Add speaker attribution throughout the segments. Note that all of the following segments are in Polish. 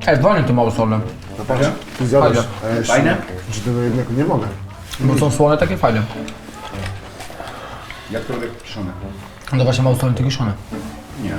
Speaker 1: Wolnie to mało solne.
Speaker 2: No patrz, ty zjadłeś.
Speaker 3: Fajne?
Speaker 2: Że tego jednego nie mogę.
Speaker 1: Bo są słone, takie fajne.
Speaker 3: Jak to lubię kiszone?
Speaker 1: No właśnie mało solne, to kiszone.
Speaker 3: Nie.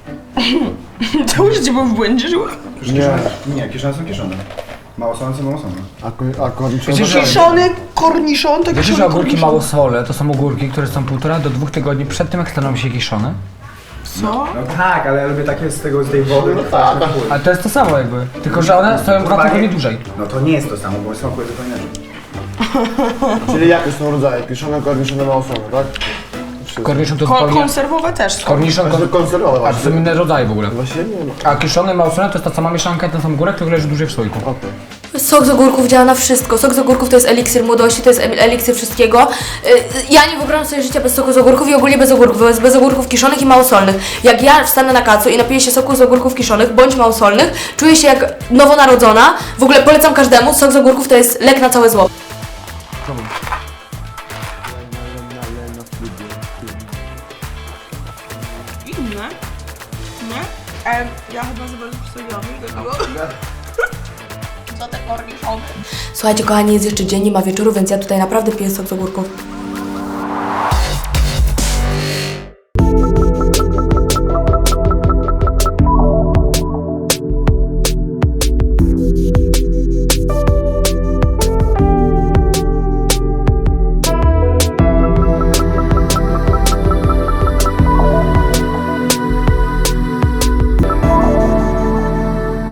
Speaker 4: To życie było w błędzie żyło.
Speaker 3: Nie, kiszone są kiszone. Mało solone są mało solone.
Speaker 2: A korniczone?
Speaker 1: Wiecie, że-
Speaker 4: Kiszony korniszon, to
Speaker 1: Wiecie, że
Speaker 4: kiszony
Speaker 1: ogórki
Speaker 4: korniszon.
Speaker 1: mało sole to są ogórki, które są 1,5 do 2 tygodni przed tym, jak staną się kiszone?
Speaker 4: Co?
Speaker 3: No tak, ale ja lubię takie z tej wody. No tak.
Speaker 1: Ale to jest to samo jakby, tylko że one stoją 2 tygodnie dłużej.
Speaker 3: No to nie jest to samo, bo smakuje zupełnie inaczej.
Speaker 2: Czyli jakie są rodzaje? Kiszone, korniczone, małosolne, tak?
Speaker 1: Korniszon to zupełnie...
Speaker 4: Konserwowe też są.
Speaker 1: Korniszon,
Speaker 2: Znaczy konserwowe
Speaker 1: a to są
Speaker 2: właśnie.
Speaker 1: inne rodzaje w ogóle.
Speaker 2: Właśnie nie ma.
Speaker 1: A kiszony, małosolne to jest ta sama mieszanka, ten sam górek, tylko leży dłużej w słoiku.
Speaker 5: Sok z ogórków działa na wszystko. Sok z ogórków to jest eliksir młodości, to jest eliksir wszystkiego. Ja nie wyobrażam sobie życia bez soku z ogórków i ogólnie bez ogórków. Bez ogórków kiszonych i małosolnych. Jak ja wstanę na kacu i napiję się soku z ogórków kiszonych bądź małosolnych, czuję się jak nowonarodzona. W ogóle polecam każdemu. Sok z ogórków to jest lek na całe zło.
Speaker 4: Inne? Nie? Ja chyba za bardzo przestawiłam, dlatego... Co te korniszony?
Speaker 5: Słuchajcie kochani, jest jeszcze dzień, nie ma wieczoru, więc ja tutaj naprawdę piję sok z ogórków.